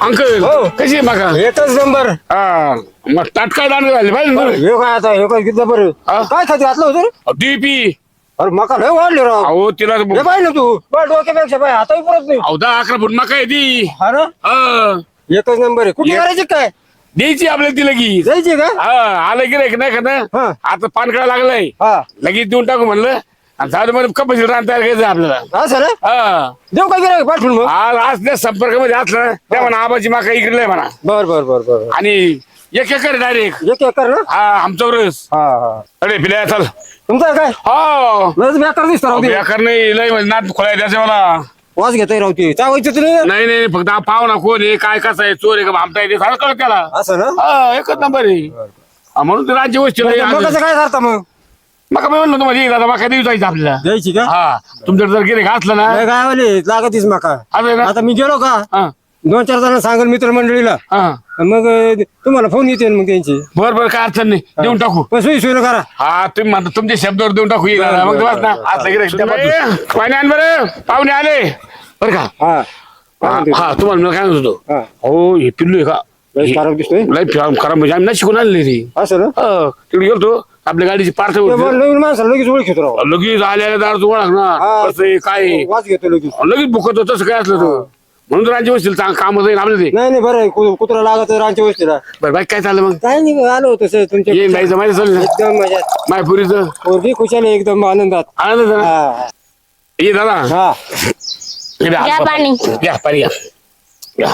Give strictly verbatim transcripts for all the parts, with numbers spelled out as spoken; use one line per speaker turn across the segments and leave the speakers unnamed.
Uncle
हो.
कशी आहे माका
एकच नंबर.
हा मग ताटकाळ दांड झाले पाहिजे
हे काय आता हे काय किती बरं
हा?
काय खाती घातलं होतं रे?
डीपी
अरे मका लय वाढले राव.
अहो तिला
हे पाहिजे ना तू बरं डोक्यापेक्षा पाय हाताही पुरत नाही.
अहो दहा अकरा फूट मका आहे ती
हा ना
हा.
एकच नंबर आहे. कुठे
एक-
करायची काय
द्यायची आपल्याला ती लगेच
जायची का?
हा आलं गिरे नाही का
हा.
आता पान काढा लागलाय
हा
लगेच देऊन टाकू म्हणलं आणि झालं म्हणजे कपशी रान तयार करायचं आपल्याला
असं ना
हा
देऊ काय गिरायक पाठवून मग.
आज आज त्या संपर्कामध्ये असलं ना त्या म्हणा आबाची माका इकडे म्हणा
बर बर बर बर
आणि एक एकर डायरेक्ट
एक एकर ना.
हा आमचा रस
हा हा
अरे पिल्या चल
तुमचं आहे काय
हो
लस बेकार दिसतो राव ते.
एकर नाही लय म्हणजे नात खोलाय त्याच्या मला
वास घेताय राव ते चावायचं तुम्ही.
नाही नाही फक्त हा पाव ना कोण आहे काय कसं आहे चोर आहे का भामटा आहे ते सगळं कळत त्याला
असं ना
हा एकच नंबर आहे हा, म्हणून ते राज्य गोष्टी
मग कसं काय करता मग
मग मी म्हणलो तुम्हाला दादा मका देऊ जायचं आपल्याला
द्यायची का?
हा तुमच्याकडे जर गिरे असलं ना
नाही काय वाले लागतीच मका.
असं आहे ना
आता मी गेलो का
हा
दोन चार जण सांगेल मित्रमंडळीला
हा
मग अं, तुम्हाला फोन येते मग त्यांची.
बर बर काय अडचण नाही देऊन टाकू
पण सोयी सोयी करा.
हा तुम्ही म्हणता तुमच्या शब्दावर देऊन टाकू ये दादा. मग तुम्हाला ना असलं गिरे पाणी आण बरं पाहुणे आले बरं का
हा
हा हा, तुम्हाला मी काय म्हणत होतो
हा
हो हे पिल्लू आहे का
लय खराब दिसतोय.
लय खराब म्हणजे आम्ही नाही शिकून आणले ती
असं ना
हो, तिकडे गेलतो आपल्या गाडीची पार्थ
ते बरं नवीन माणसाला लगेच ओळखीतो राव.
लगेच आलेल्या दार तू ओळख ना
हा.
कसं आहे, काय आहे.
वास घेतो लगेच.
लगेच बुकत होतं तसं काय असलं तर म्हणून तर राज्य बसतील चांग काम जाईल आपलं ते
नाही नाही बरं आहे. कु- कुत्रा लागत रांच्या वस्तीला
बरं बाईक काय चाललं मग
काय नाही आलो होतं सर तुमच्या
ये जायचं माहिती चाललं ना
एकदम मजा
मायपुरीचं
पोरगी खुशाल आहे, एकदम आनंदात.
आनंद झाला.
हा
ये दादा
हा
हे द्या,
घ्या
हात
पाणी.
घ्या पाणी घ्या घ्या.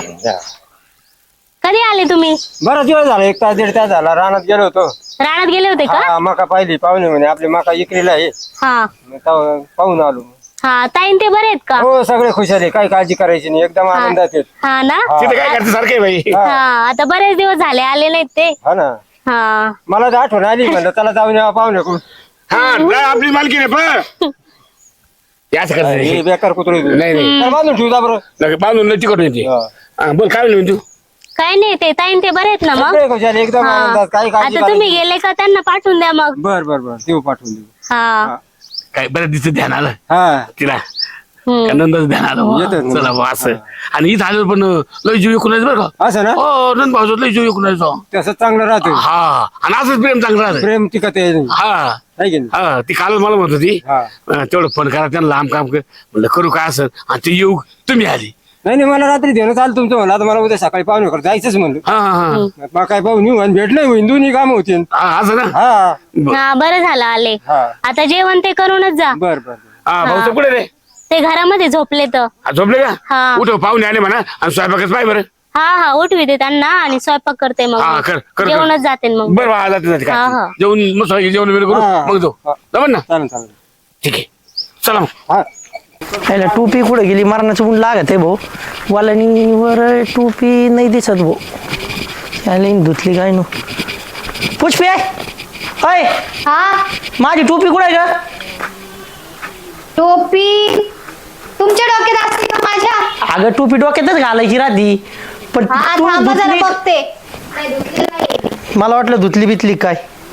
कधी आले तुम्ही
बराच वेळ झाला एक तास दीड तास झाला रानात गेलो होतो.
रानात गेले होते का
हा मका पाहिली पाहुणे म्हणे आपली मका इकरीला आहे
हा
मग तेव्हा पाहून आलो.
हा ताईन ते बरे आहेत का
हो सगळे खुशाल आहे, काही काळजी करायची नाही, एकदम आनंदात आहेत.
हा ना
तिथे काय करते सारखं आहे बाई
हा.
हा आता बरेच दिवस झाले आले नाहीत ते
हा ना
हा
मला तर आठवण आली म्हणलं त्याला जाऊन यावं पाहुणे कोण.
हा नाही, आपली मालकी नाही पण याच
हे
करते
बेकार कुत्रे
नाही नाही
बांधून ठेवता बरं.
लगे बांधून लटी करून येते
हा.
हा, बोल काय म्हणली तू
काय नाही ते ताईन ते बरे आहेत ना मग
सगळे खुशाल आहे, एकदम
हा.
आनंदात काही काळजी
आता तुम्ही
करायची.
गेले का त्यांना पाठवून द्या मग
बर बर बर देऊ पाठवून देऊ.
हा
काय बरं दिसत ध्यान आलं
हा
तिला
हम्म.
नंदच ध्यान आलं बुवा.
येतं ना.
चला बुवा असं आणि इथं आलं पण लय जीव विकून बरं का
असं ना
हो नंद भाऊ लय जीव विकून
तसं चांगलं राहतं.
हा आणि असंच प्रेम चांगलं राहतं
प्रेम टिकत आहे
हा
है की नाही?
हा ती कालच मला म्हणत होती
हा.
अं, तेवढं फोन करा त्यांना लांब काम कर म्हणलं करू काय असं आणि ते येऊ तुम्ही आली
नाही नाही मला रात्री देणं चालतं तुमचं म्हणलं आता मला उद्या सकाळी पाहुणे करत जायचंच म्हणलं.
हा हा हा.
मग काय पाहून येऊ आणि भेटलं होईन दोन्ही काम होतील.
हा असं ना
हा
ब-
हा बरं झालं आले
हा
आता जेवण ते करूनच जा
बर बर बर.
हा भाऊ कुठे रे
ते घरामध्ये झोपले तर
हा, झोपले का
हा.
उठ पाहुणे आले म्हणा आणि स्वयंपाकच पाय बरं
हा हा उठविते त्यांना आणि स्वयंपाक करते मग
हा
मी.
कर कर कर.
जेवणच जाते मग
बरं बा जाते जाते
हा,
काय
हा.
जेवण मस्त पैकी जेवण वगैरे करू
हा.
मग जाऊ
हा.
जमन ना
चालेल चालेल
ठीक आहे चला मग
हा
याला टोपी कुठे गेली मरणाचं ऊन लागत आहे भाऊ वालनीवर टोपी नाही दिसत भाऊ याला धुतली काय नो पुष्पे अय
हा
माझी टोपी कुठे आहे का
टोपी तुमच्या डोक्यात असते का माझ्या?
अगं टोपी डोक्यातच घालायची राधी पण
हा
तू
थांबा जरा
धुतली
बघते. नाही, धुतली नाहीये.
मला वाटलं धुतली बितली काय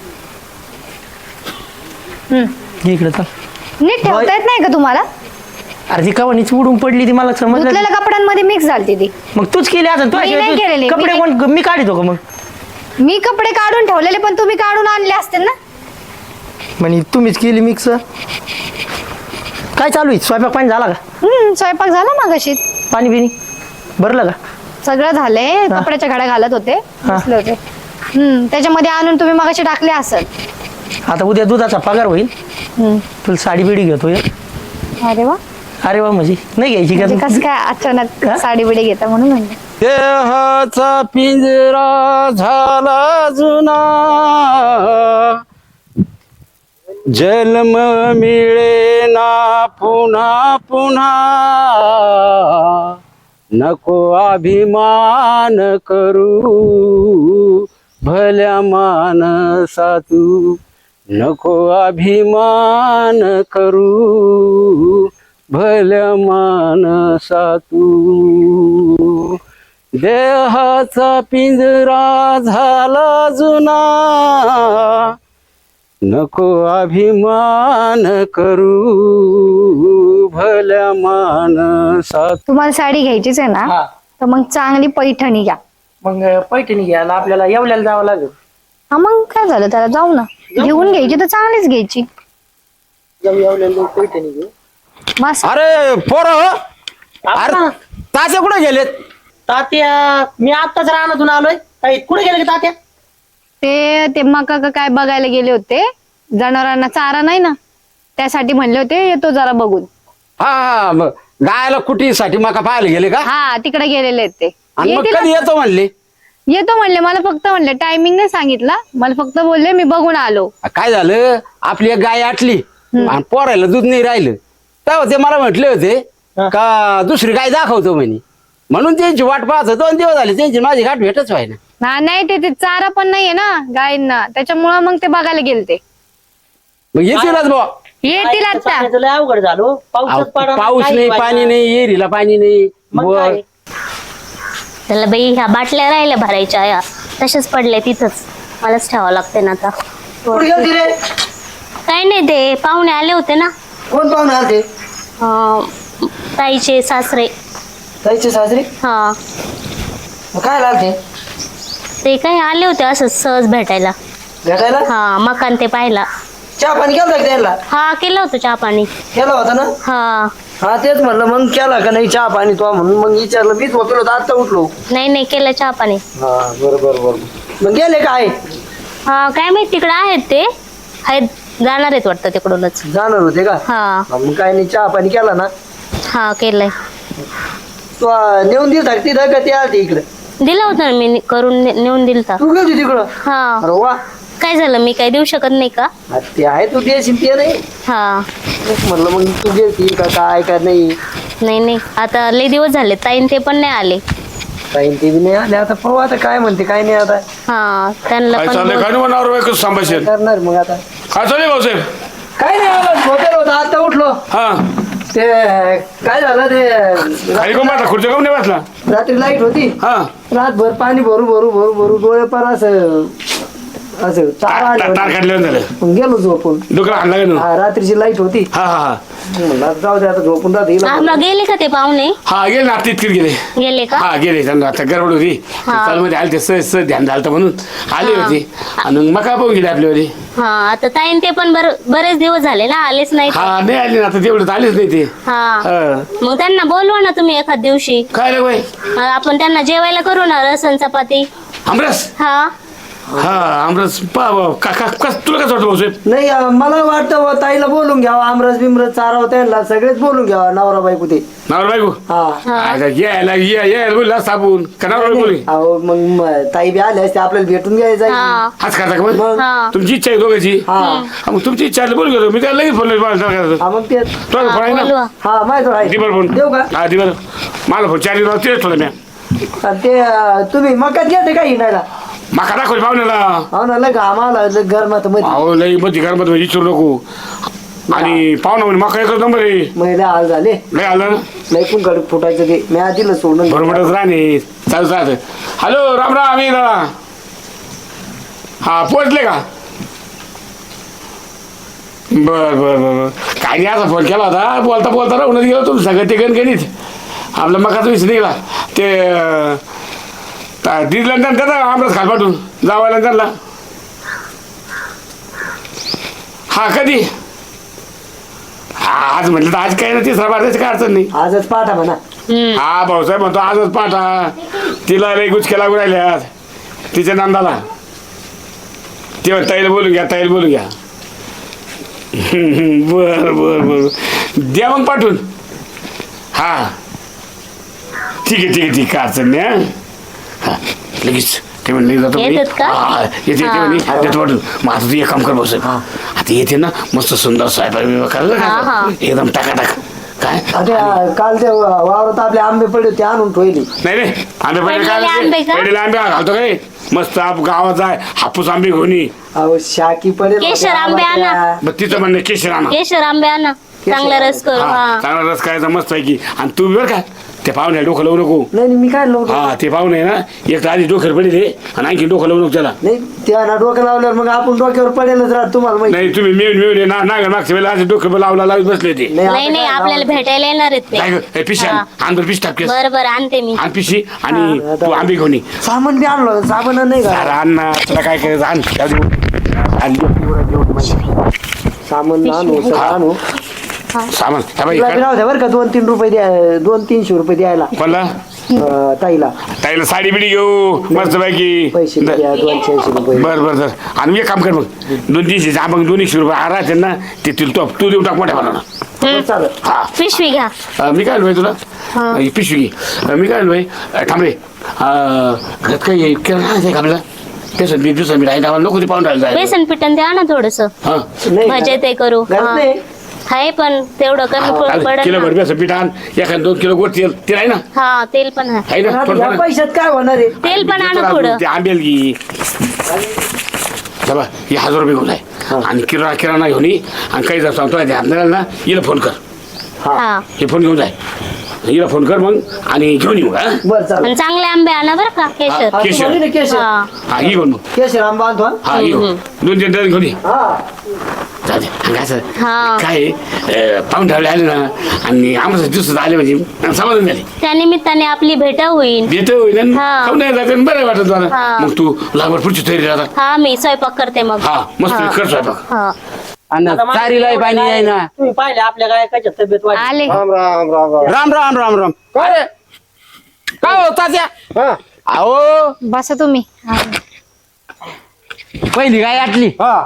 इकडे चल
नीट ठेवता येत नाही का तुम्हाला?
अरे ती कवानीच उडून पडली ती मला समजलं
धुतलेल्या कपड्यांमध्ये मिक्स झालती ती.
मग तूच केली आता तू
मी नाही केलेली,
कपडे
मी
कोण मी काढतो का मग
मी कपडे काढून ठेवलेले पण तुम्ही काढून आणले असतील ना.
म्हणे तुम्हीच केली मिक्स काय चालू आहे स्वयंपाक पाणी झाला का
हम्म स्वयंपाक झाला मागाशी.
पाणी बिणी भरलं का
सगळं झालंय. कपड्याच्या घड्या घालत होते बसले होते. हम्म त्याच्यामध्ये आणून तुम्ही मागाशी टाकले असेल.
आता उद्या दुधाचा पगार होईल
हम्म.
तुला साडी बिडी घेतोय
अरे वा
अरे वा म्हणजे नाही घ्यायची
म्हणजे
का
कसं काय अचानक
हा?
साडी बिडी घेता म्हणून म्हणलं.
देहाचा पिंजरा झाला जुना जन्म मिळेना पुन्हा पुन्हा नको अभिमान करू भल्या मानसा तू नको अभिमान करू भल्या मानसा तू देहाचा पिंजरा झाला जुना नको अभिमान करू भल्या मानसा
तुम्हाला साडी घ्यायचीच आहे ना? तर मग चांगली पैठणी घ्या.
मग पैठणी घ्यायला आपल्याला येवल्याला जावं लागेल.
हा मग काय झालं त्याला, जाऊ ना. घेऊन घ्यायची तर चांगलीच घ्यायची.
जाऊ येवल्याला पैठणी घेऊ.
मस्त.
अरे पोर
आपा,
तासे कुठे गेलेत?
तात्या मी आत्ताच रानातून आलोय. काही कुठे गेले का तात्या?
ते ते मका का काय बघायला गेले होते. जनावरांना चारा नाही ना, त्यासाठी म्हणले होते येतो जरा बघून.
हा हा मग गायला कुटीसाठी मका पाहायला गेले का?
हा तिकडे गेलेले आहेत ते.
आणि मग
येतील
कधी
आता.
येतो म्हणले?
येतो म्हणले. मला फक्त म्हणले, टायमिंग नाही सांगितलं. मला फक्त बोलले मी बघून आलो.
काय झालं, आपली एक गाय आटली आणि पोरायला दूध नाही राहिलं. तेव्हा ते मला म्हटले होते का दुसरी गाय दाखवतो म्हणे, म्हणून त्यांची वाट पाहत होतो. दोन दिवस झाले त्यांची माझी गाठ भेटच व्हायना.
हा नाही ते ते चारा पण नाहीये ना गायींना, त्याच्यामुळं मग ते बघायला गेलते.
मग येतीलच बुवा.
येतील आता.
पाण्याचं लय अवघड झालो. पाऊसच पडा
पाऊस नाही, पाणी नाही, येरीला पाणी नाही.
मग
वर-
काय?
त्याला बाई ह्या बाटल्या राहिल्या भरायच्या या तशाच पडल्या तिथंच. मलाच ठेवावं लागते ना आता.
कुठे गेलती रे?
काही नाही, ते पाहुणे आले होते ना,
कोण पाहुणे आलते?
अं, ताईचे सासरे.
ताईचे सासरे?
हा
मग काय आलते?
ते काही आले होते असं सहज भेटायला.
भेटायला?
हा मकान ते पाहिला.
चहा पाणी केलं का त्यांना?
हा केलं होतं चहा पाणी.
केला होता ना?
हा
हा तेच म्हणलं, मग केला का नाही चहा पाणी तो म्हणून मग विचारलं. मीच होतो होतो आता उठलो.
नाही नाही केलं चहा पाणी.
हा बरोबर बरोबर. मग गेले काय?
हा काय माहित तिकडे आहेत ते, आहेत जाणार आहेत वाटतं तिकडूनच.
जाणार होते का?
हा
हा, मग काय नाही चहा पाणी केला ना?
हा केलंय.
तू आ, नेऊन दिल टाकती का ते आलते इकडे?
दिलं होतं ना मी, करून ने- नेऊन दिलं तर.
तू गेली तिकडं?
हा
अरे वा.
काय झालं, मी काय देऊ शकत नाही का?
हा, ते आहे तू देशील ते नाही.
हा
तेच म्हणलं मग तू गेलती का काय का नाही.
नाही नाही, आता लय दिवस झाले, ताईन ते पण नाही आले.
काही ते बी नाही आले. आता पाहू आता काय म्हणते काय नाही. आता
हा त्यांना
काय
पण
चाललंय?
बोल-
काय नाही म्हणावर बायको संभाषण
करणार मग आता.
काय चाललंय भाऊसाहेब?
काय नाही आलं, झोपेल होता आता उठलो.
हा
ते काय झालं ते
खाली कोण बसला? खुर्च्या कोण नाही बसला?
रात्री लाईट होती.
हा
रातभर पाणी भरू भरू भरू भरू डोळे पण असं असं चारा आले
तार
होते.
काढल्यावर झालं.
मग गेलो झोपून.
डुकरा आणला का नाही?
हा रात्रीची लाईट होती.
हा हा हा
म्हणलं आता जाऊ दे आता झोपून राहते.
हा, मग गेले का ते पाहुणे?
हा गेले ना, तितकीच गेले.
गेले का?
हा गेले. त्यांना आता गडबड होती,
हा.
चालमध्ये आले ते सहज सहज ध्यान झालं म्हणून आले
हा.
होते. आणि मग मका पाहून गेले आपल्यावर.
हा आता ताईन ते पण बर बरेच दिवस झाले ना, आलेच नाही.
हा नाही आले ना, आता तेवढं आलेच नाही ते.
हा
हा.
मग त्यांना बोलवा ना तुम्ही एखाद दिवशी.
काय रे बाई?
हा, आपण त्यांना जेवायला करू ना, रसन चपाती.
आमरस?
हा
हा आमरस. पा का का कस तुला कसं वाटतं भाऊसाहेब?
नाही अं, मला वाटतं बुवा, ताईला बोलून घ्यावा. आमरस बिमरस चाराव त्यांना सगळेच बोलून घ्यावा. नवरा बायको ते.
नावर बायको?
हा
हा
आता यायला या यायला बोलला साबून का नावर बोली?
अहो मग म- ताई बी आले असते आपल्याला भेटून घ्यायचं.
हा
हाच खाता का मग?
मग
हा
तुमची इच्छा आहे दोघांची?
हा
हा, मग तुमची इच्छा आहे बोल गेलो मी त्याला लगेच फोन लावला.
हा मग ते
तो फोन आहे ना?
बोलवा.
हा माहिती आहे.
दिबर फोन.
देऊ का?
हा दिबर. मला फोन चार दिवस तेच ठेवलं मी.
आणि ते अं, तुम्ही मकात घेते का हिंडायला?
माका दाखवली पाहुण्याला.
हो ना लग आम्हाला लग गरमात मध्ये
अहो लई मध्ये घरामध्ये विचारू नको. आणि पाहुणा म्हणे माका एकच नंबर आहे.
महिला हाल झाले.
लय आलं ना
लय कुंकड फुटायचं ते मी आधीला सोडून
बरोबरच राहणे चालू राहत. हॅलो राम राम मी दादा. हा पोहोचले का? बर बर बर काय नाही, असा फोन केला होता. बोलता बोलता राहूनच गेलो तुम सगळं ते गणगणित आपला मकाचा विषय निघाला. ते दिदला त्याचा आमरस खाल पाठवून जावायला त्यांना. हा कधी? हा आज म्हटलं तर आज काही नाही, तिसरा बार त्याची काय अडचण नाही.
आजच पाठा म्हणा.
हम्म.
हा भाऊसाहेब म्हणतो आजच पाठा. तिला लई गुचके लागू राहिल्यात तिच्या नंदाला. तेव्हा ताईला बोलून घ्या, ताईला बोलून घ्या. बर बर बर द्या मग पाठवून. हा ठीक आहे ठीक आहे ठीक आहे अडचण नाही. हा हा लगेच ते म्हणले जातो म्हणे.
येतात का?
हा, येते येते
हा.
म्हणे. देतो पाठवून. मग आता तू एक काम कर भाऊसाहेब, आता येते ना मस्त सुंदर स्वयंपाक बियंपाक करायला
हा,
का?
हा.
एकदम टाकाटाक. काय
आता काल ते वावरात आपले आंबे पडले ते आणून ठेवले.
नाही रे आंबे पहिले
पडलेले आंबे का?
पहिले आंबे घालतो काय मस्त आप गावात जाय हापूस आंबे घेऊन ये.
अहो शाकी पडेल
केशर
होते
आंबे
आम्हाला
आणा.
त्या.
मग तिचं म्हणणं केशर आणा.
केशर आंबे आणा, चांगला रस करू.
हा
हा
चांगला रस खायचा मस्त आहे की. आणि तू बी बरं का ते पाहुणे डोकं लावू नको
नाही नाही, मी काय लावतो
हा ते पाहुणे आहे ना एक तर आधी डोक्यावर पडेल हे, आणि आणखी डोकं लावू नको त्याला.
नाही त्या ना डोकं लावल्यावर मग आपण डोक्यावर पडेलच राहत तुम्हाला माहिती
नाही तुम्ही मिळून मिळून ना नागर मागच्या वेळेला आधी डोकं लावला लावत बसले ते.
आता
नाही नाही
काय
आपल्याला भेटायला येणार आहेत
काय
ते.
ग, ए, पिशी आण
हा.
आण बरं, पिशी टाकतेस
बरं बरं आणते मी.
आण पिशी आणि तू आंबे घेऊन ये.
सामान बी आणलं साबण नाही का
अरे आण ना तुला काय करायचं आण जाऊ दे. आण, जेवढं- जेवढं माहिती.
सामान आणू सगळं
हा.
आणू
सामान हा बाई,
तुला
काय-
राहू द्या बरं का दोन तीन रुपये द्या दोन तीनशे रुपये द्यायला
कोणला
अं, ताईला
ताईला साडी बिडी घेऊ मस्त पैकी
पैसे बी द्या दोनशे ऐंशी रुपये
बर बर बर आणि एक काम कर मग दोन तीनशे जा मग दोन एकशे रुपये राहते ना ते तुला तो तू देऊन टाक मोठ्या म्हणा
बरं, चालेल
हा
पिशवी घ्या.
अं, मी काय भाई तुला ही पिशवी घे. अं, मी काय भाई थांबे घरात काही किराणा आहे का आपल्याला बेसन मी दिवसा मी राहिला नको ते पाहून राहिलं
बेसन पिठन द्या ना थोडस.
हा
नाही
भजे ते करू.
घरात
हा.
नाही
आहे पण तेवढं कमी पडेल
किलो
ना.
भर बेसन पीठ आण एखादं दोन किलो गोड तेल तेल आहे ना
हा तेल पण आहे.
आहे ना
आता
थोडं
या
थोडं.
हो.
पैशात काय होणार आहे
तेल पण आणा थोडं.
ते आंबेल घे हे हजार रुपये घेऊन आहे आणि किराणा किराणा घेऊन ये आणि काही जर सांगतो आपल्याला ना हिला फोन कर
हा
हे फोन घेऊन जाय हिला फोन कर मग आणि घेऊन येऊ हा
बरं चालेल
आणि चांगले आंबे आणा बरं का केशर.
हा, केशर.
बोलली ना केशर
हा
हा ये पण मग
केशर आंबा आणतो हा?
हा ये दोन तीन डझन घेऊन ये
हा
चालते आणि असं
हा.
काय अं, पाहून ठेवले आले ना आणि आम्हाला दिवसात आले म्हणजे समाधान झाले
त्या निमित्ताने आपली भेट होईल.
येत होईल
हा.
खाऊन नाही जाते बरं वाटत मला
हा.
मग तू लागवड पुढची तयारी राहता
हा मी स्वयंपाक करते मग.
हा मस्त
हा.
कर स्वयंपाक
हा
आणि चारीला पाणी आहे ना.
तुम्ही पाहिले आपल्या काय कशा तब्येत वाढली.
आले
राम राम राम राम
राम राम राम राम अरे काय होता त्या
हा
अहो
बसा तुम्ही. हा.
पहिली गाय आटली
हा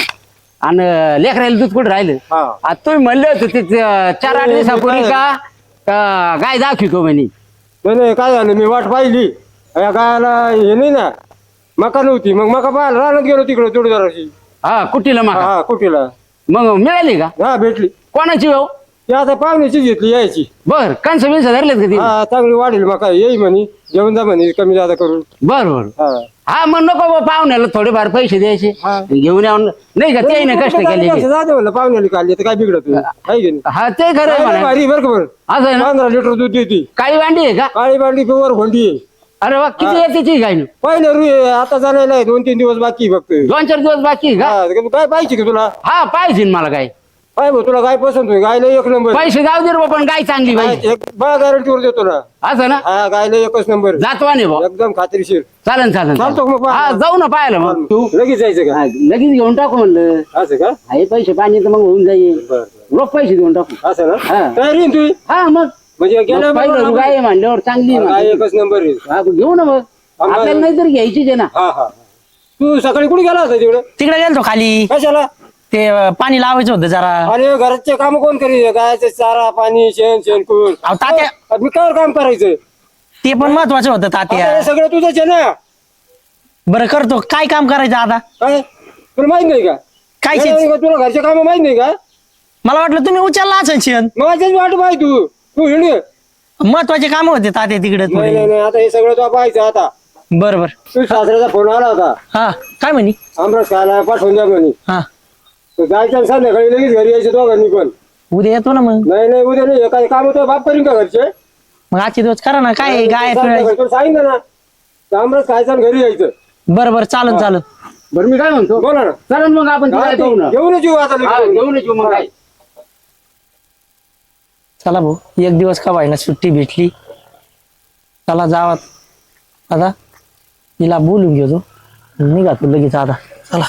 आणि लेकरायला दूध कुठं राहिलं
हा.
आता तुम्ही म्हणले होते ते ते चार आठ दिवसापूर्वी का का गाय दाखवतो म्हणे.
नाही नाही काय झालं मी वाट पाहिली या गायला हे नाही ना मका नव्हती मग मका पाहायला रानात गेलो तिकडे जोडीदाराशी
हा कुठीला मग
हा कुठेला
मग मिळाली का
हा भेटली
कोणाची हो
ती आता पाहुण्याचीच घेतली यायची
बर कणसं बिनसं धरलेत का ती
हा चांगली वाढेल मका येई म्हणे जेवण जा म्हणे कमी जादा करून
बर बर
हा
हा मग नको बा पाहुण्याला थोडेफार पैसे द्यायचे
हा.
घेऊन यावं नाही का ते ना कष्ट केले
जाते म्हणलं पाहुण्याला काढली तर काय बिघडत नाही. आहे की नाही
हा ते खरं आहे
काय
म्हणा.
भारी बरं का बरं
असं आहे ना
पंधरा लिटर दूध देते
काळी वांडी आहे का
काळी बांडली पिवर भोंडी आहे
अरे वा किती येते ती गाय
पहिले रु आता जाण्याला आहे दोन तीन दिवस बाकी आहे फक्त
दोन चार दिवस बाकी आहे का
हा, काय पाहिजे का तुला
हा पाहिजे ना मला काय
काय भाऊ तुला काय पसंत होईल गायला एक नंबर
पैसे जाऊ दे रे बा, पण गाय चांगली पाहिजे
एक बळा गॅरंटीवर देतो ना
असं ना
हा गायला एकच नंबर
जातवाने भाऊ
एकदम खात्रीशीर
चालन चालन
चालतो मग
चालन.
पाहा.
हा जाऊ ना पाहायला मग तू
लगेच जायचं का
हा, लगेच घेऊन टाकू म्हणलं
असं का
हे पैसे पाणी तर मग होऊन जाईल
बरं,
रोख पैसे देऊन टाकू
असं ना
हा.
तयारी आहे ना तुझी
हा मग
म्हणजे गेल्या
मग पहिलं तू गाय आहे म्हणल्यावर चांगली आहे
गाय
म्हणते.
एकच नंबर आहे
हा, घेऊ ना मग
आम्हाला-
आपल्याला नाही तर घ्यायचीच आहे ना
हा हा तू सकाळी कुठे गेला होता तिकडे
तिकडे गेलतो खाली
कशाला
ते अं, पाणी लावायचं होतं जरा
अरे घराचे काम कोण करीत गायचे चारा पाणी शेण शेणकूर
अहो, तात्या-
मी काय काम करायचं
ते पण महत्वाचं होतं
आता
तात्या
हे सगळं तुझंच आहे ना
बरं करतो काय काम करायचं आता
काय तुला माहित नाही का
काय
नाही,
शेत-
नाही, तुला घरचे काम माहित नाही का
मला वाटलं तुम्ही उचलला असेल शेण
माझ्याच वाट पाय तू तू हिंड
महत्वाचे काम होते तात्या तिकडे
नाही नाही
थोडे
नाही आता हे सगळं तो पाहायचं आता
बरं बरं
तू सासऱ्याचा फोन आला होता
हा काय म्हणी
आमरस खायला पाठवून द्या म्हणे
हा
तर जायचं आणि संध्याकाळी लगेच घरी यायचं दोघांनी पण
उद्या येतो ना मग
नाही नाही उद्या नाही काही काम होतं बाप करीन का घरचे
मग आजचे दिवस करा ना काय आहे, गाय
संध्याकाळी तुला सांगितलं ना तर आमरस खायचं आणि घरी यायचं
बरं बरं चालन चालन
बरं मी काय म्हणतो
बोला ना
चालन मग आपण
हा,
तिला
ते
जाऊ ना
घेऊनच येऊ आता
हा,
लगेच.
घेऊन येऊ मग काय
चला भाऊ एक दिवस का व्हायना सुट्टी भेटली चला जावा आता तिला बोलून घेतो निघा तू लगेच आता चला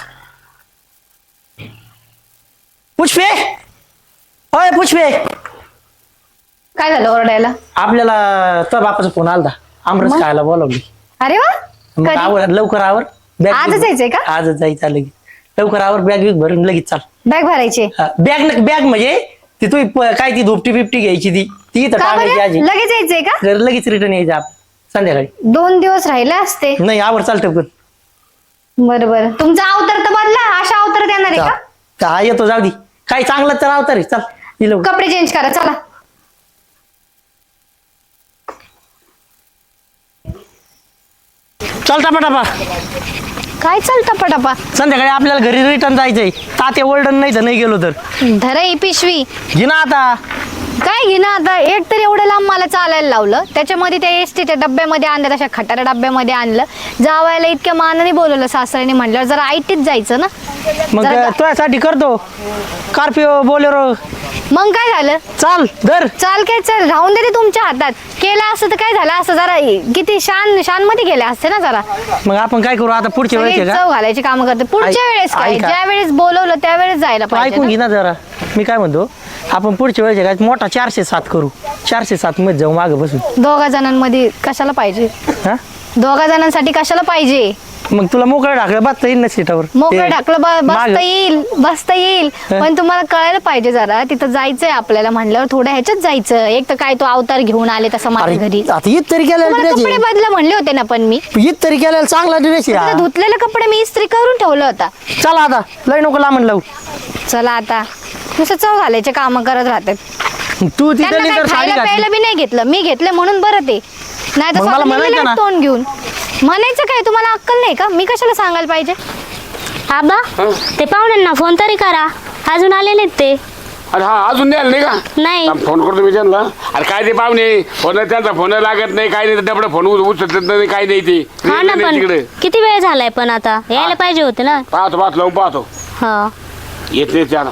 पुष्पे होय पुष्पे
काय झालं ओरडायला?
आपल्याला तर बापाचा फोन आलता आमरस खायला बोलावली
अरे वा
मग
कधी?
आवर लवकर आवर बॅग
आजच जायचंय का?
आजच जायचं लगेच लवकर आवर बॅग बिग भरून लगेच चाल
बॅग भरायची
बॅग बॅग म्हणजे ती तू काय ती धोपटी बिपटी घ्यायची ती ती इथं
का
टाकायची
बरं?
आजी
लगेच यायचंय का?
जर लगेच रिटर्न यायचं आप संध्याकाळी
दोन दिवस राहिले असते.
नाही आवर चालतं पण
बरं बरं तुमचा अवतार तर बदला, अशा अवतारात येणार आहे का?
का येतो जाऊ दे काही चांगलं तर अवतार आहे चल ये लवकर.
कपडे चेंज करा चला.
चल टापा टापा
काय चालतं पटापा?
संध्याकाळी आपल्याला घरी रिटर्न जायचंय तात्या ओल्डन नाही तर नाही गेलो तर
धरा ही पिशवी.
घे ना आता
काय घे ना आता, एक तर एवढं लांब मला चालायला लावलं, त्याच्यामध्ये त्या एसटीच्या डब्यामध्ये आणलं, तशा खटाऱ्या डब्यामध्ये आणलं, जावायला इतक्या मानाने बोलवलं सासऱ्याने, म्हणल्यावर जरा आयटीत जायचं ना.
मग
जरा-
तुझ्यासाठी करतो कार्पिओ बोलेरो.
मग काय झालं?
चाल दर.
चाल काय चाल, राहून देते तुमच्या हातात. केलं असं तर काय झालं असं, जरा किती शान शान मध्ये गेले असते ना जरा.
मग आपण काय करू आता पुढच्या वेळेस
सगळे
आहे
चव घालायची काम करते पुढच्या
ऐक-
वेळेस काय,
ऐका.
ज्या वेळेस बोलवलं त्यावेळेस जायला
का
पाहिजे
ऐकून घे
ना.
ना जरा. मी काय म्हणतो, आपण पुढच्या वेळेस आहे काय मोठा चारशे सात करू. चारशे सात मध्ये जाऊ मागं बसून.
दोघा जणांमध्ये कशाला पाहिजे,
हा
दोघा जणांसाठी कशाला पाहिजे.
मग तुला मोकळं ढाकलं बसता येईल ना सीटावर.
मोकळं
ते
ढाकलं ब-
मागं.
बसता येईल बसता येईल पण तुम्हाला कळायला पाहिजे जरा, तिथं जायचंय आपल्याला म्हणल्यावर थोडं ह्याच्यात जायचं. एक तर काय तो अवतार घेऊन आले तसा माझ्या
अरे
घरी.
आता ईद तरी केलेला
तुम्हाला
ड्रेस
कपडे बदला म्हणले होते ना, पण मी
ईद तरी केलेला चांगला ड्रेस आहे
आता
हा.
धुतलेले कपडे मी इस्त्री करून ठेवला होता.
चला आता लय नको लांबण लावू.
चला आता नुसतं चव घालायचे काम करत राहतात.
तू
त्यांना
तिथे
काही
तर साडी
खायला
घातली.
प्यायला बी नाही घेतलं, मी घेतलं म्हणून बरं ते. नाही तर
मग मला
स्वतः
म्हणायचं
निघाले
ना.
तोंड घेऊन. म्हणायचं काय, तुम्हाला अक्कल नाही का? मी कशाला सांगायला पाहिजे?
आबा ते पाहुण्यांना फोन तरी करा, अजून आले नाहीत ते.
अरे हा अजून नाही आलं नाही का?
नाही.
थांब, फोन करतो मी त्यांना. अरे काय ते पाहुणे फोन त्यांचा फोन लागत नाही, काय नाही, डबडं फोन उचलत नाही, काय नाही ते
हा ना,
नाही
पण
तिकडे.
किती वेळ झालाय, पण आता यायला पाहिजे होते ना.
पाहतो पाहतो लावून पाहतो.
हा
येत नाही त्याला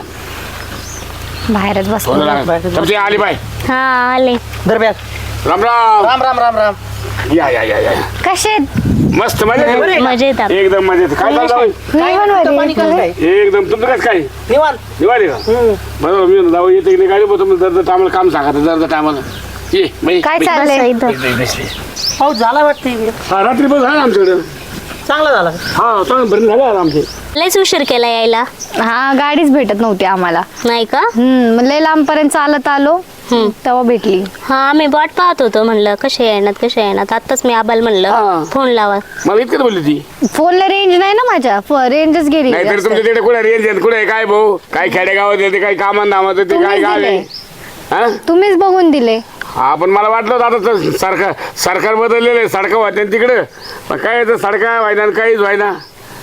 बाहेरच बस.
फोन लागत. तुमची आली बाय.
हा आले.
दर बॅग.
राम राम.
राम राम राम राम.
या या या या
कसे
मस्त मजेत.
मजेत आप-
एकदम मजेत. काय चाललं
पाणी कसं काय?
एकदम तुमचं कसं काय
निवांत.
दिवाळी का बरोबर. मी जाऊ येते की नाही गाडी बघतो तुम्ही दर टायमाला काम सांगा दर टायमाला ये बाई.
काय
बाई.
चाललंय?
पाऊस झाला वाटतं इकडे.
हा रात्री बस आहे आमच्याकडे.
चांगला झाला.
हा चांगलं भरून झालं आमचे.
लयच उशीर केला यायला.
हा गाडीच भेटत नव्हती आम्हाला.
नाही का?
हम्म मग लय लांब पर्यंत चालत आलो,
हम्म.
तेव्हा भेटली.
हा आम्ही वाट पाहत होतो, म्हणलं कसे येणार कसे येणार. आताच मी आबाल
हा.
म्हणलं फोन लावा.
मला इतकं बोलली ती.
फोनला रेंज नाही ना माझ्या, रेंजच गेली.
नाहीतर तुमच्या तिकडे कुठे रेंज कुठे काय भाऊ काय खेडेगावात येते काय कामान नामात येते काय
तुम्हीच
गाव आहे
दिले.
हा
तुम्हीच बघून दिले.
हा पण मला वाटलं होतं आता तर सरकार सरकार बदललेलं आहे, सडका होत्या तिकडं. पण काय तर सडका व्हायना आणि काहीच व्हायना.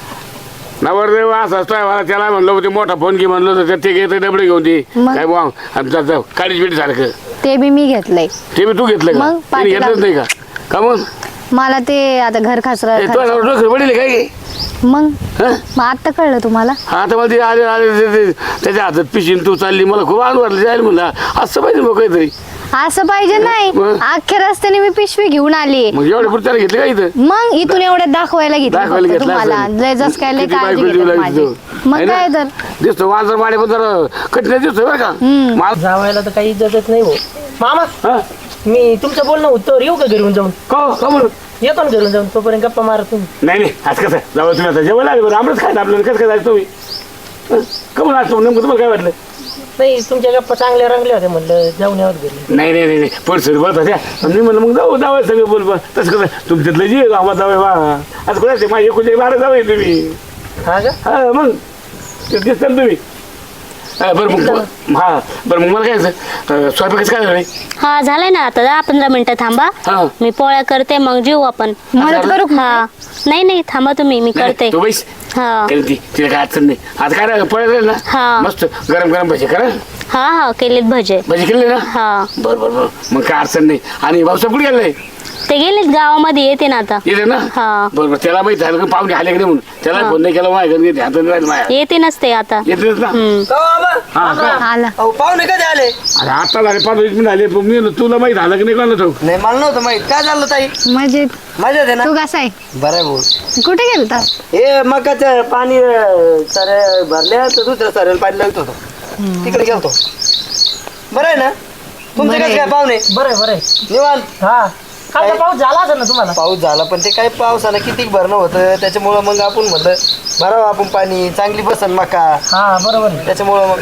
नवरदेव असं असतोय मला, त्याला म्हणलं होते मोठा फोन घे म्हणलं होतं, ते घेतं डबडे घेऊन ते
मग?
काय बुवा आमचं काळीच बिटी सारखं
ते बी मी घेतलंय.
ते बी तू घेतलं का?
मग
त्याने घेतलंच
पाठीला-
नाही का? का मग
मला ते आता घर खासरा
ए, तुला डोकं वडील काय गे?
मग
हं?
मग आता कळलं तुम्हाला?
हा तर मला ते आले आले ते- ते- त्याच्या हातात पिशीन तू चालली, मला खूप आनंद वाटलं. जायला म्हणलं असं पाहिजे मग काहीतरी.
असं पाहिजे नाही,
मग?
अख्ख्या रस्त्याने मी पिशवी घेऊन आली.
मग एवढे पुढे त्याला घेतले का इथं?
मग इथून एवढ्यात दाखवायला घेतलं
दाखवायला
फक्त
घेतलं
तुम्हाला.
असेल.
लय जस काय लय
किती
काळजी
बायको जीव
घेतात
लावली
माझी.
तिथं.
मग
है ना?
काय तर
दिसतो वाजर माडे पण जरा कठीण दिसतो बरं का मला.
जावायला तर काही इज्जतच नाही भाऊ. मामा
हा?
मी तुमचं बोलणं उत्तर येऊ का घरून जाऊन?
का का म्हणून
येतो ना घरून जाऊन, तोपर्यंत गप्पा मारा तुम्ही.
नाही नाही आज कसं जाऊ तुम्ही आता जेवण आले बरं आमरच खायचं आपल्याला कसं काय जायचं तुम्ही हं? का म्हणून आज नेमकं तुम्हाला काय वाटलं?
नाही तुमच्या गप्पा चांगल्या रंगल्या होत्या, म्हणलं जाऊन यावर घरी.
नाही नाही नाही पडसर बस होत्या. पण मी म्हणलं मग जाऊ जावं सगळं बोल बा. तसं कसं तुमच्यातलं जे आम्हाला जावं बा असं कोणाचे माझे एकुलते बारा जावं तुम्ही.
हा का?
हा मग ते दिसतं ना तुम्ही. हा, बरं मग हा बरं मग मला काय अं, स्वयंपाकाचं काय झालं?
हा झालाय ना, आता दहा पंधरा मिनिटं थांबा.
हा.
मी पोळ्या करते, मग जेऊ आपण.
मदत करू का?
हा नाही नाही थांबा तुम्ही, मी करते.
तू बैस
हा
केली ती तिला काय अडचण नाही. आज काय राहिलं पळत राहील ना
हा.
मस्त गरम गरम भजी करा.
हा हा केलेत भजे.
भजी केले ना
हा
बरं बरं बरं मग काय अडचण नाही. आणि भाऊसाहेब कुठे गेलाय?
ते गेलेत गावामध्ये, येते ना आता.
येते ना
हा.
बरोबर. त्याला माहिती झालं का पाहुणे आले की नाही म्हणून त्याला फोन नाही केला माझ्या घरी ध्यान नाही राहिलं माझ्या.
येते नसते आता.
येतेच ना
हम्म.
हा का?
आला.
पाहुणे कधी आले?
अरे आता झाले पाच वीस मिनिट आले पण मी म्हणलं, तुला माहित झालं की नाही कोणाला ठाऊक?
नाही मला नव्हतं माहित. काय झालं ताई?
मजेत.
मजा आहे ना?
तू कसा आहे?
बरं आहे भाऊ.
कुठे गेलता?
हे मकाचं पाणी अं, सारे भरले तर दुसऱ्या साऱ्याला पाणी लागत होतं, तिकडे गेलतो. बरं आहे ना? तुमचे
बरं
कसं
आहे.
काय पाहुणे?
बरं आहे, बरं आहे.
निवांत.
हा कालचा पाऊस झाला असेल ना तुम्हाला?
पाऊस झाला पण ते काय पावसानं किती भरणं होतं त्याच्यामुळं मग आपण म्हणलं भरावं आपण पाणी, चांगली बसन मका,
हा बरोबर आहे.
त्याच्यामुळं मग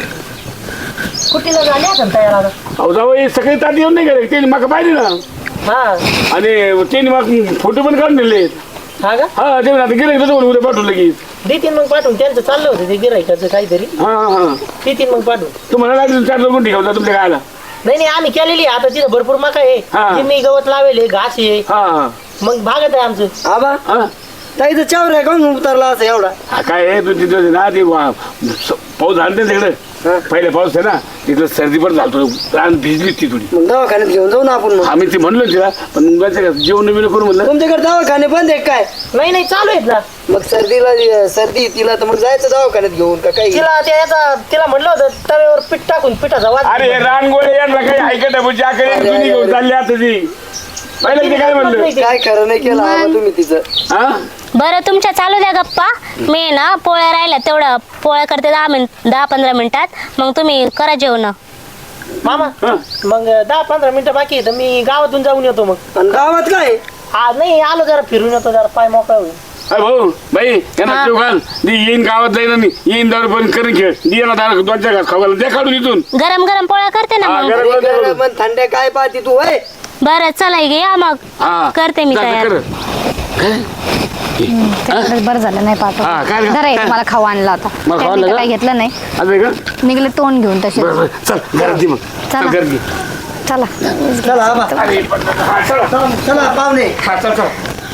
कुठीला झाली असेल तयार आता?
अहो जाऊ हे सगळे ताट येऊन नाही गेले त्यांनी मका पाहिजे ना.
हा
आणि त्यांनी मग फोटो पण काढून दिले.
हा का?
हा ते आता गेले तर उद्या पाठवलं लगेच.
देतीन मग पाठवून, त्यांचं चाललं होतं ते गिरायकाचं काहीतरी.
हा हा हा
देतीन मग पाठवून.
तुम्हाला लागेल चार लोक ठेवता तुमच्या गायला.
नाही नाही आम्ही केलेली आहे. आता तिथं भरपूर मका
हा.
आहे, मी गवत लावेले, घास आहे,
हा हा
मग भागत आहे आमचं.
आबा
हा
ताईचं चावर आहे का उतरला असं एवढा?
हा काय आहे तुमची ना ते वा- स- पाऊस झाला ना तिकडे पहिले पाऊस आहे ना तिथं सर्दी पण झालतो रान भिजली ती थोडी
मग दवाखान्यात घेऊन जाऊ ना आपण मग
आम्ही ती म्हणलो तिला पण मुलाच्या जेवण बिवणं करू म्हणलं
तुमच्याकडे दवाखाने बंद आहे काय
नाही नाही चालू आहेत ना
मग सर्दीला सर्दी तिला तर मग जायचं दवाखान्यात घेऊन का काही
तिला त्या याचा तिला म्हणलं होतं तव्यावर पीठ टाकून पिठाचा वाज
अरे हे रानगोळे यांना काही ऐकत आहे बुजी आकडे
अरे,
तुम्ही घेऊन
अरे.
चालली आता ती पहिले ते काय म्हणलं
काय खरं नाही केलं हवं तुम्ही तिचं
हा
बरं तुमच्या चालू द्या गप्पा मी ना पोळ्या राहिल्या तेवढं पोळ्या करते दहा मिनिट दहा पंधरा मिनिटात मग तुम्ही करा जेवण
मामा
हा.
मग दहा पंधरा मिनिटं बाकी आहे तर मी गावातून जाऊन येतो मग
आणि गावात काय
आज नाही आलो जरा फिरून येतो जरा पाय मोकळा होईल
अरे भाऊ बाई यांना
हा.
जेव घाल ती येईन गावात जाईन आणि येईन दारू पण करून खेळ दी याला दारू दोन चार घास खावायला द्या काढून इथून
गरम गरम पोळ्या करते ना
हा,
मग
गरम
अरे
गरम
गरम
करून.
आणि थंड्या काय पाहती तू वय
बरं चला घ्या मग
हा.
करते मी
जा, जा,
तयार
कर. काय?
त्याच्याकडे बरं झालं नाही
हा, काय
पाठवलं
रे?
जरा तुम्हाला खाऊ आणला होता
मला खाऊ
त्यांनी
आणलं
तर
का?
काही घेतलं नाही
असं आहे का
निघले तोंड घेऊन तसे
बरं बरं चल घरात दे मग
चला.
चल घरात दे
चला
चला आबा
अरे पण- हा, चला
चला पाहुणे
हा चल चल